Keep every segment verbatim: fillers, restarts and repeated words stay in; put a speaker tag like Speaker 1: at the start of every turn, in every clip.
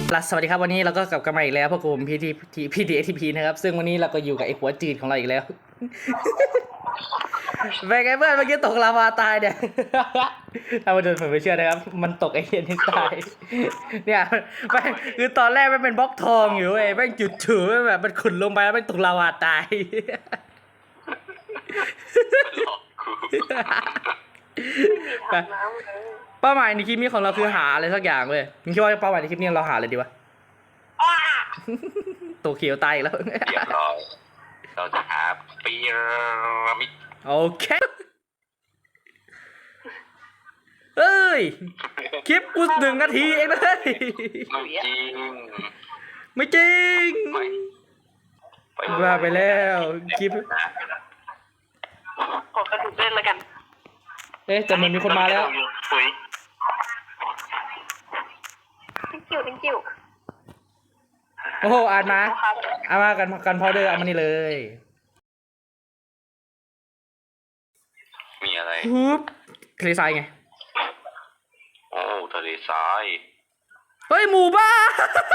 Speaker 1: สวัสดีครับวันนี้เราก็กลับกันมาอีกแล้วพวกผมพีทีพีดีเอทีพีนะครับซึ่งวันนี้เราก็อยู่กับไอ้หัวจืดของเราอีกแล้วเป็นไงเพื่อนเมื่อกี้ตกลาวาตายเนี่ยถ้ามาดูผมไม่เชื่อนะครับมันตกไอ้เหี้ยนี่ตายเนี่ยแม่งคือตอนแรกมันเป็นบล็อกทองอยู่เว้ยแม่งจุดถือแบบมันขุดลงไปแล้วมันตกลาวาตายเป้าหมายในคลิปนี้ของเราคือหาอะไรสักอย่างเว้ยมึงคิดว่าเป้าหมายในคลิปนี้เราหาอะไรดีวะตัวเขียวตายอีกแล้ว
Speaker 2: เรียบร้อยเราจะหาพีระมิด
Speaker 1: โอเคเอ้ยคลิปกูหนึ่งนาทีเองนะเฮ้ย
Speaker 2: ไม่จริง
Speaker 1: ไม่จริงว่าไปแล้วคลิป
Speaker 3: ขอกระดูกเล่นแล้วกัน
Speaker 1: เอ๊ะแต่เหมือนมีคนมาแล้ว
Speaker 3: ทิ้งกิ้วทิ้งกิ้ว
Speaker 1: โอ้โหอ่านมาเอามากันกันพอเดอร์เอามานี่เลย
Speaker 2: มีอะไร
Speaker 1: ฮึบทะเลทรายไง
Speaker 2: โอ้ทะเลทราย
Speaker 1: เฮ้ยหมู่บ้าน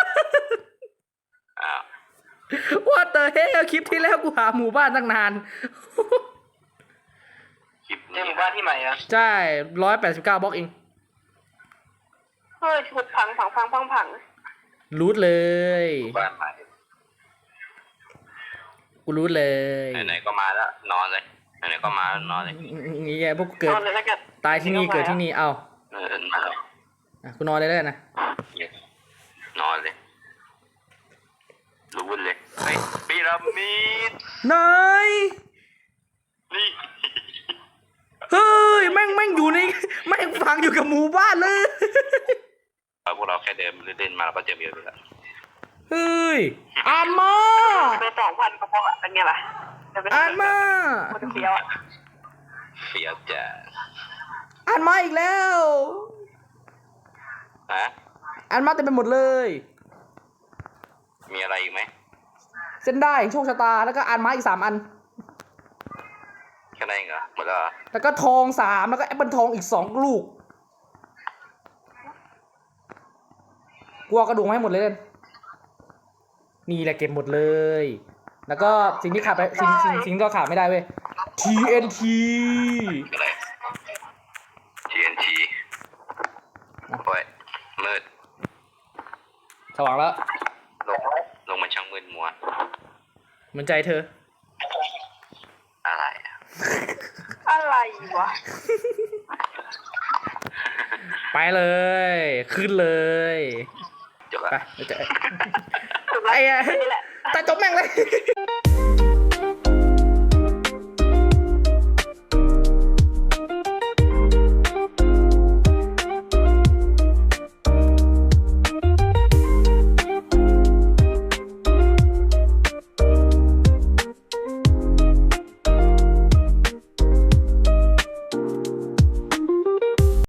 Speaker 2: อ้าว
Speaker 1: ว่าเตอร์เฮ้ยคลิปที่แล้วกูหาหมู่บ้านตั้งนาน
Speaker 2: คลิปนี้หมู่บ้านที่ใหม่อะ
Speaker 1: ใช่ร้อยแปดสิบเก้าบล็อกเอง
Speaker 3: เฮ้ยชุดพังพังพังพังพัง
Speaker 1: รูทเลย
Speaker 2: บ้านใหม่
Speaker 1: กูรูทเลย
Speaker 2: ไหนๆก็มาแล้วนอนเลยไหนๆก็มานอนเลย
Speaker 1: นี่ไงพวกเกิดตายที่นี่เกิดที่นี่เอ้า
Speaker 2: เออมาแล้ว
Speaker 1: อ่ะกูนอนเลยแล้วนะ
Speaker 2: นอนเลยรู้เลยไอ้พีระมิด
Speaker 1: นาย
Speaker 2: นี่
Speaker 1: เฮ้ยแม่งแม่งอยู่ในแม่งฟังอยู่กับหมู่บ้านเลย
Speaker 2: พวกเราแค่เดินเล่นมาเราก็เจอเยอะเลยละ
Speaker 1: เฮ้ยอ่านมา
Speaker 3: ไปสองพันกระเพาะเป็นไงล่ะ
Speaker 1: อ่านมา
Speaker 3: คนเฟี้ยวอ่ะ
Speaker 2: เฟี้ยวจ้ะ
Speaker 1: อ่านมาอีกแล้ว
Speaker 2: ฮะ
Speaker 1: อ่านมาเต็มไปหมดเลย
Speaker 2: มีอะไรอีกไหม
Speaker 1: เส้นได้โชคชะตาแล้วก็อ่านมาอีกสามอัน
Speaker 2: แค่นั้นเองเหรอหมดแล้ว
Speaker 1: แล้วก็ทองสามแล้วก็แอปเปิลทองอีกสองลูกกลัวกระดูกให้หมดเลยนี่แหละเก็บหมดเลยแล้วก็สิ่งที่ขาดไปสิ่งสิ่งสิ่งที่ขาดไม่ได้เว้ย ที เอ็น ที
Speaker 2: อะไร ที เอ็น ที โอ้ยมืด
Speaker 1: สว่างแล้ว
Speaker 2: ลงลงมันช่างมืดมัว
Speaker 1: เหมือนใจเธอ
Speaker 2: อะไร
Speaker 3: อะไรวะ
Speaker 1: ไปเลยขึ้นเลย
Speaker 2: จบละ
Speaker 1: ไปเจอไอ้ไอ้แต่จบแม่งเลย